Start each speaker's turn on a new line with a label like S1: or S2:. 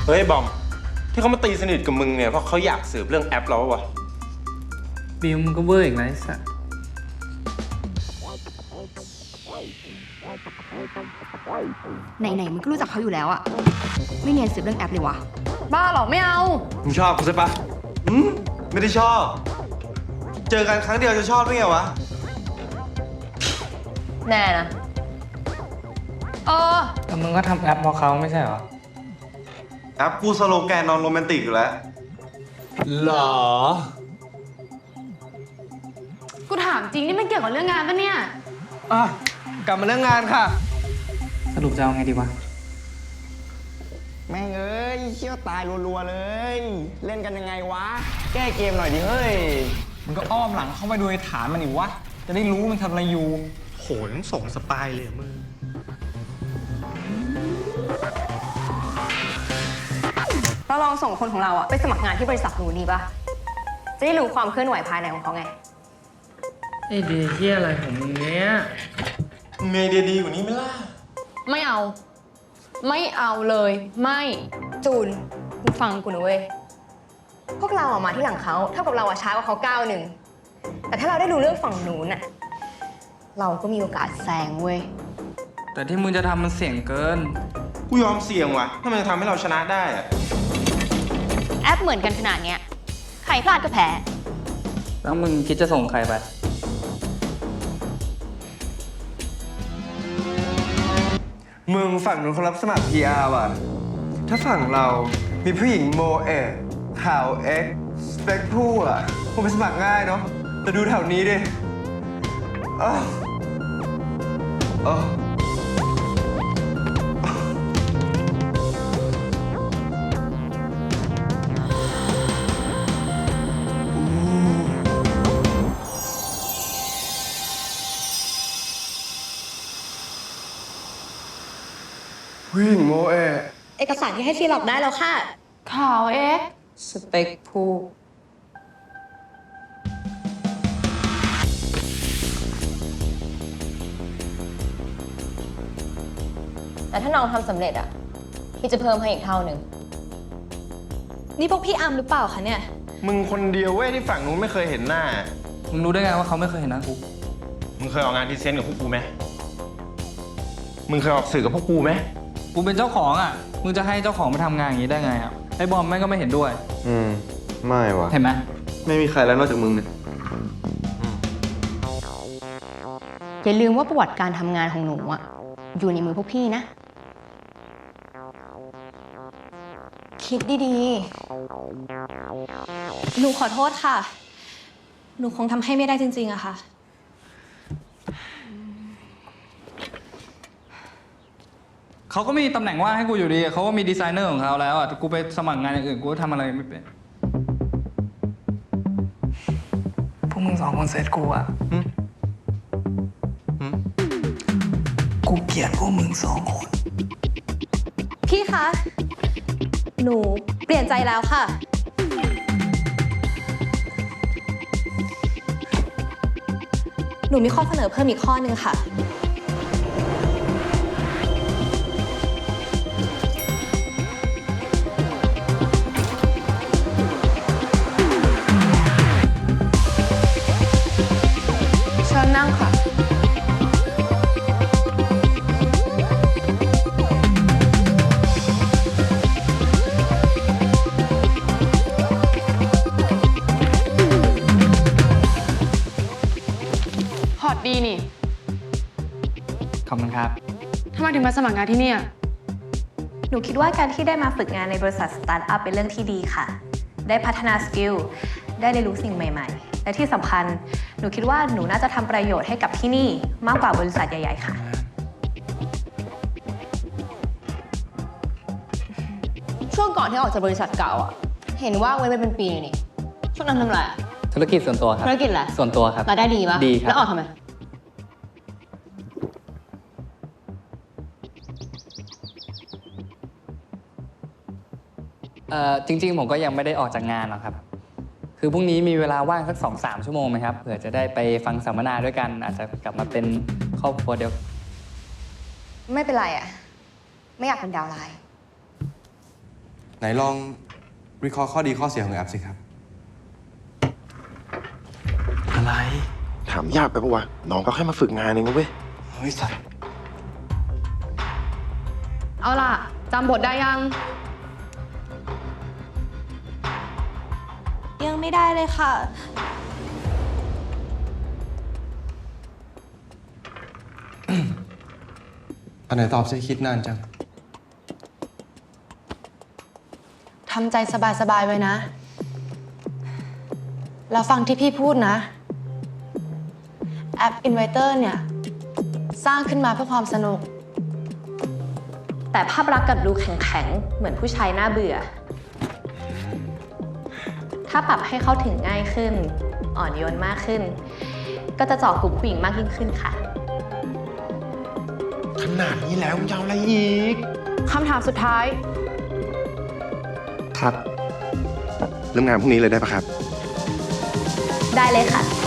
S1: เฮ้ยบอมที่เขามาตีสนิทกับมึงเนี่ยเพราะเขาอยากสืบเรื่องแอปเราวะ
S2: บิวมึงก็เวอร์อีกแล้วไอ้สัส
S3: ไหนๆมึงก็รู้จักเขาอยู่แล้วอะไม่เนียนสืบเรื่องแอปเลยวะ
S4: บ้าเหรอไม่เอา
S1: มึงชอบกูใช่ปะไม่ได้ชอบเจอกันครั้งเดียวจะชอบได้ไงวะ
S4: แน่นะ
S2: แต่มึงก็ทำแอปเพราะเขาไม่ใช่เหรอ
S1: แอปกูสโลแกนนอนโรแมนติกอยู่แล้วหรอ
S4: กูถามจริงนี่มันเกี่ยวกับเรื่องงานปะเนี่ย
S1: กลับมาเรื่องงานค่ะ
S2: สรุปจะเอาไงดีวะ
S5: แม่งเอ้ยเชี่ยวตายรัวๆเลย เล่นกันยังไงวะแก้เกมหน่อยดิเฮ้ยมันก็อ้อมหลังเข้าไปดูในฐานมันดิวะจะได้รู้มันทำอะไรอยู่
S1: โหนส่งสปายเลยมึง
S3: เราลองส่งคนของเราอะไปสมัครงานที่บริษัทหนูนี่ปะจะได้รู้ความเคลื่อนไหวภายในของเขาไง
S2: ไอ้ดีเหี้ยอะไรของมึงเนี้ย
S1: เมย์เดียดีกว่านี้ไหมล่ะ
S4: ไม่เอาไม่เอาเลยไม่
S3: จูนมึงฟังกูนะเว้ยพวกเราออกมาที่หลังเขาเท่ากับเราอะช้ากว่าเขาก้าวหนึ่งแต่ถ้าเราได้รู้เรื่องฝั่งนู้นอะเราก็มีโอกาสแซงเว้ย
S2: แต่ที่มึงจะทำมันเสี่ยงเกิน
S1: กูยอมเสี่ยงว่ะถ้ามันจะทำให้เราชนะได้อะ
S3: แอปเหมือนกันขนาดเนี้ยใครพลาดก็แพ้
S2: แล้วมึงคิดจะส่งใครไป
S6: มึงฝั่งนู้นเขารับสมัคร PR ว่ะถ้าฝั่งเรามีผู้หญิงโมเอะขาวเอ็กสเปคผู้อ่ะคงไปสมัครง่ายเนาะแต่ดูแถวนี้ดิผู้หญิงโมเอะ
S3: เอกสารที่ให้ซีล็อกได้แล้วค่ะ
S4: ข่าว
S2: สเปคผู้
S4: แต่ถ้าน้องทำสำเร็จอะพี่จะเพิ่มให้อีกเท่าหนึ่งนี่พวกพี่อัมหรือเปล่าคะเนี่ย
S1: มึงคนเดียวเว้ยที่ฝั่งนู้นไม่เคยเห็นหน้า
S2: มึงรู้ได้ไงว่าเขาไม่เคยเห็นหน้ากู
S1: มึงเคยออกงานพรีเซนต์กับพวกกูไหมมึงเคยออกสื่อกับพวกกูไหม
S2: กูเป็นเจ้าของอ่ะมึงจะให้เจ้าของมาทำงานอย่างนี้ได้ไงอ่ะไอ้บอมแม่งก็ไม่เห็นด้วย
S6: ไม่ว่ะ
S2: เห็นไหม
S6: ไม่มีใครแล้วนอกจากมึงเนี่ย
S3: อย่าลืมว่าประวัติการทำงานของหนูอะอยู่ในมือพวกพี่นะคิดดี
S4: หนูขอโทษค่ะหนูคงทำให้ไม่ได้จริงๆอะค่ะ
S2: เขาก็มีตำแหน่งว่างให้กูอยู่ดีเขาก็มีดีไซเนอร์ของเขาแล้วอ่ะกูไปสมัครงานอย่างอื่นกูทำอะไรไม่เป็นพวกมึงสองคนเซตกูอ่ะกูเกลียดพวกมึงสองคน
S4: พี่คะหนูเปลี่ยนใจแล้วค่ะหนูมีข้อเสนอเพิ่มอีกข้อนึงค่ะเชิญนั่งค่ะพอร์ตดีนี่
S2: ขอบคุณครับ
S4: ทำไมถึงมาสมัครงานที่นี่
S7: หนูคิดว่าการที่ได้มาฝึกงานในบริษัทสตาร์ทอัพเป็นเรื่องที่ดีค่ะได้พัฒนาสกิลได้เรียนรู้สิ่งใหม่ๆและที่สำคัญหนูคิดว่าหนูน่าจะทำประโยชน์ให้กับที่นี่มากกว่าบริษัทใหญ่ๆค่ะ
S3: ช่วงก่อนที่ออกจากบริษัทเก่าอะเห็นว่าไว้เป็นปีนี่ช่วงนั้นทำอะไร
S2: ธุรกิจส่วนตัวครับ
S3: ธุรกิจอะไร
S2: ส่วนตัวครับ
S3: รายได้ดีปะ
S2: ดีครับ
S3: แล้วออกทำไม
S2: จริงๆผมก็ยังไม่ได้ออกจากงานหรอกครับคือพรุ่งนี้มีเวลาว่างสัก 2-3 ชั่วโมงไหมครับเผื่อจะได้ไปฟังสัมมนาด้วยกันอาจจะกลับมาเป็นครอบครัวเดียว
S3: ไม่เป็นไรอะไม่อยากเป็นดาวไลน์
S1: ไหนลองวิเคราะห์ข้อดีข้อเสียของแอปสิครับ อะไร
S8: ถามยากไปปะวะ น้องก็แค่มาฝึกงานเองนะเว้ย
S1: เฮ้ยสัตว์
S7: เอาล่ะจำบทได้ยัง
S9: ยังไม่ได้เลยค่ะ
S1: อันไหนตอบสิคิดนานจัง
S9: ทำใจสบายๆไว้นะ แล้วฟังที่พี่พูดนะ แอป Inviter เนี่ย สร้างขึ้นมาเพื่อความสนุก
S7: แต่ภาพลักษณ์กลับดูแข็งๆ เหมือนผู้ชายน่าเบื่อ ถ้าปรับให้เข้าถึงง่ายขึ้น อ่อนโยนมากขึ้น ก็จะเจาะกลุ่มผู้หญิงมากยิ่งขึ้นค่ะ
S8: ขนาดนี้แล้วมึงจะเอาอะไรอีก
S9: คำถามสุดท้าย
S8: ครับ เริ่มงานพรุ่งนี้เลยได้ปะครับ
S7: ได้เลยค่ะ